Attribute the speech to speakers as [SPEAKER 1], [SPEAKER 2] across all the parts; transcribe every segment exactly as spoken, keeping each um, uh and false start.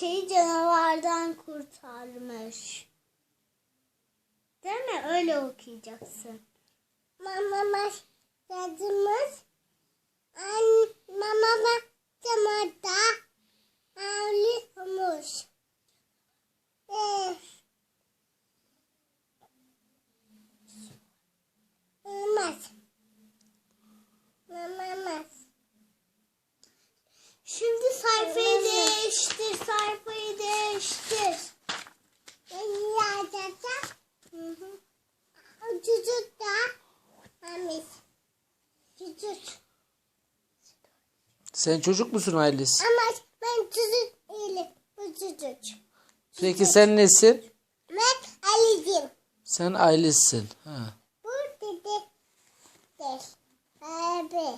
[SPEAKER 1] şeyi canavardan kurtarmış. Değil mi? Öyle okuyacaksın. Mama yazımız. An mama camada ağlıyormuş. Evet. Olmaz. Olmaz. Şimdi sayfayı değiştir, sayfayı değiştir. Yazacağım. Hı hı. Çocuk da. Amis. Çocuk.
[SPEAKER 2] Sen çocuk musun Aylis?
[SPEAKER 1] Ama ben çocuk değilim. Bu çocuk.
[SPEAKER 2] Peki sen nesin?
[SPEAKER 1] Ben Ali'cim.
[SPEAKER 2] Sen Aylis'sin. Ha.
[SPEAKER 1] Bu dedi. Değil. Abi.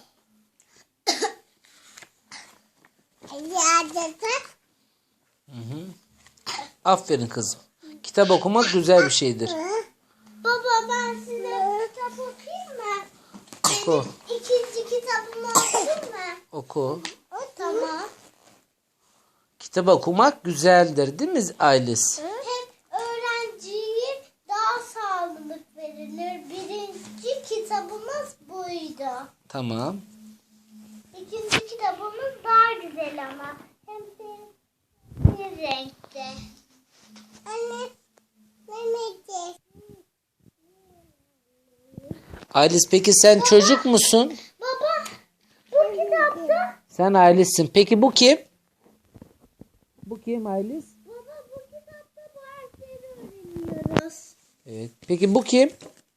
[SPEAKER 1] Yazacağım.
[SPEAKER 2] Hı hı. Aferin kızım. Kitap okumak güzel bir şeydir.
[SPEAKER 1] Baba ben size kitap okuyayım mı?
[SPEAKER 2] Oku.
[SPEAKER 1] Benim ikinci kitabımı okuyayım mı?
[SPEAKER 2] Oku.
[SPEAKER 1] O tamam.
[SPEAKER 2] Kitap okumak güzeldir değil mi Aylis?
[SPEAKER 1] Hem öğrenciye daha sağlık verilir. Birinci kitabımız buydu.
[SPEAKER 2] Tamam.
[SPEAKER 1] İkinci kitabımız daha güzel ama. Hem de bir renkte. Anne, Mehmet'e.
[SPEAKER 2] Aylis peki sen çocuk musun?
[SPEAKER 1] Baba, bu kitapta.
[SPEAKER 2] Sen Aylis'sin. Peki bu kim? Bu kim Aylis?
[SPEAKER 1] Baba, bu kitapta bu harfleri öğreniyoruz.
[SPEAKER 2] Evet. Peki bu kim?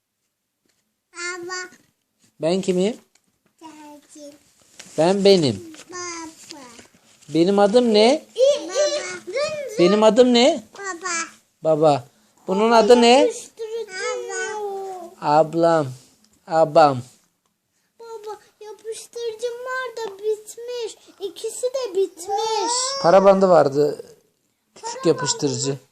[SPEAKER 1] Baba,
[SPEAKER 2] Ben kimim?
[SPEAKER 1] gelsin.
[SPEAKER 2] Ben benim.
[SPEAKER 1] Baba.
[SPEAKER 2] Benim adım ne?
[SPEAKER 1] Baba.
[SPEAKER 2] Benim adım ne?
[SPEAKER 1] Baba.
[SPEAKER 2] Baba. Bunun adı ne?
[SPEAKER 1] Yapıştırıcı.
[SPEAKER 2] Ablam. Abam.
[SPEAKER 1] Baba, yapıştırıcılar da bitmiş. İkisi de bitmiş.
[SPEAKER 2] Para bandı vardı. Küçük yapıştırıcı.